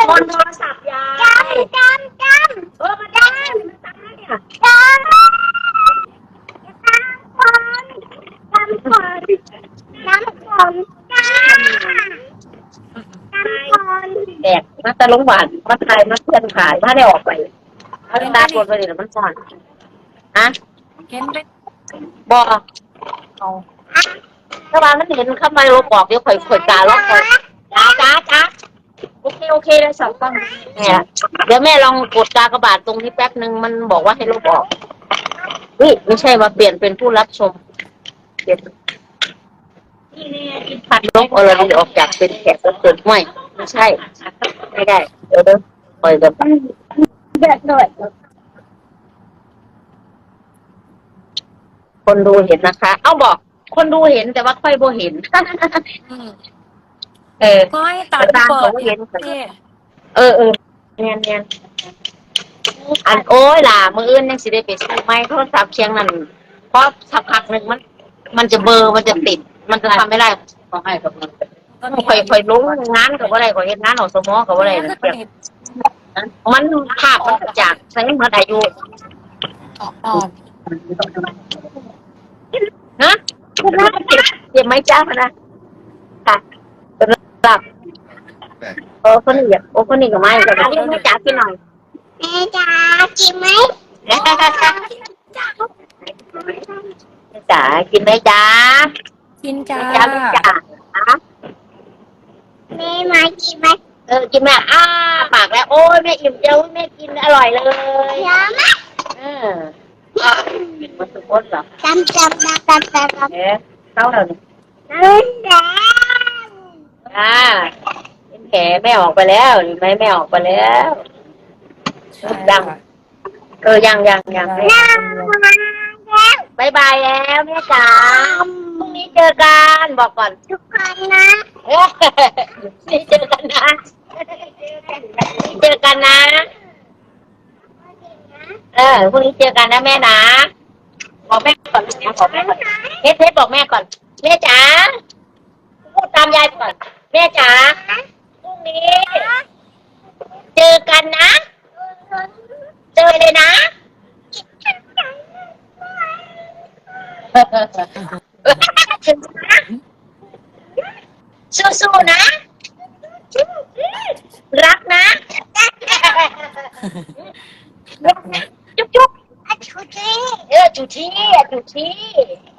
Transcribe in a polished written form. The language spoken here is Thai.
คนโทรศัพท์ยายมันจำแล้วเนี่ยแดกมาตะลุงหวานมาขายมาเพื่อนขายถ้าได้ออกไปเขาตาบนไปเลยมันซ่อนอะเห็นไปบอกเอาถ้าว่ามันเห็นเข้ามาเราบอกเดี๋ยวข่อยตาล็อกข่อยจ้าโอเคเลยสองกล้องเนี่ยเดี๋ยวแม่ลองกดกากบาทตรงที่แป๊บนึงมันบอกว่าให้ลบออกไม่ใช่ว่าเปลี่ยนเป็นผู้รับชมเปลี่ยนพัดลบอะไรออกจากเป็นแขกรับเชิญไม่ใช่ไม่ได้เดี๋ยวปล่อยแบบคนดูเห็นนะคะเอาบอกคนดูเห็นแต่ว่าค่อยโบเห็นก็ให้ตัดเปิดเนียนอันโอ้ยล่ะมืออื่นยังสิได้ไปซื้อไม้โทรศัพท์เชียงนั่นเพราะสักพักหนึ่งมันจะเบอร์มันจะติดมันจะทำไม่ได้ต้องให้กับมันค่อยลงงานกับอะไรก็เห็นงานของสมอกับอะไรมันภาพมันจากใช้เมื่ออายุนะเก็บไม้จ้านะค่ะเป็นหลักคนนี้คนนี้ก็ไม่แต่เรียกแม่จ๋ากินหน่อยแม่จ๋ากินไหมแม่จ๋ากินไหมจ๋ากินจ้าแม่มากินไหมกินแม่ปากแล้วโอ้ยแม่อิ่มเจ้าแม่กินอร่อยเลยเยอะมากมันสุดยอดเหรอจำเท่าไหร่เป็นแผลแม่ออกไปแล้วหรือไม่แม่ออกไปแล้วยังยังบายบายแล้วแม่จ๋าพรุ่งนี้เจอกันบอกก่อนทุกคนนะนี่เจอกันนะพรุ่งนี้เจอกันนะพรุ่งนี้เจอกันนะแม่นะบอกแม่ก่อนนะบอกแม่ก่อนเทสบอกแม่ก่อนแม่จ๋าพูดตามยายก่อนแม่จ๋าพรุ่งนี้เจอกันนะเจอเลยนะสู้ๆนะรักนะจุ๊บจุ๊บจุ๊บจุ๊บ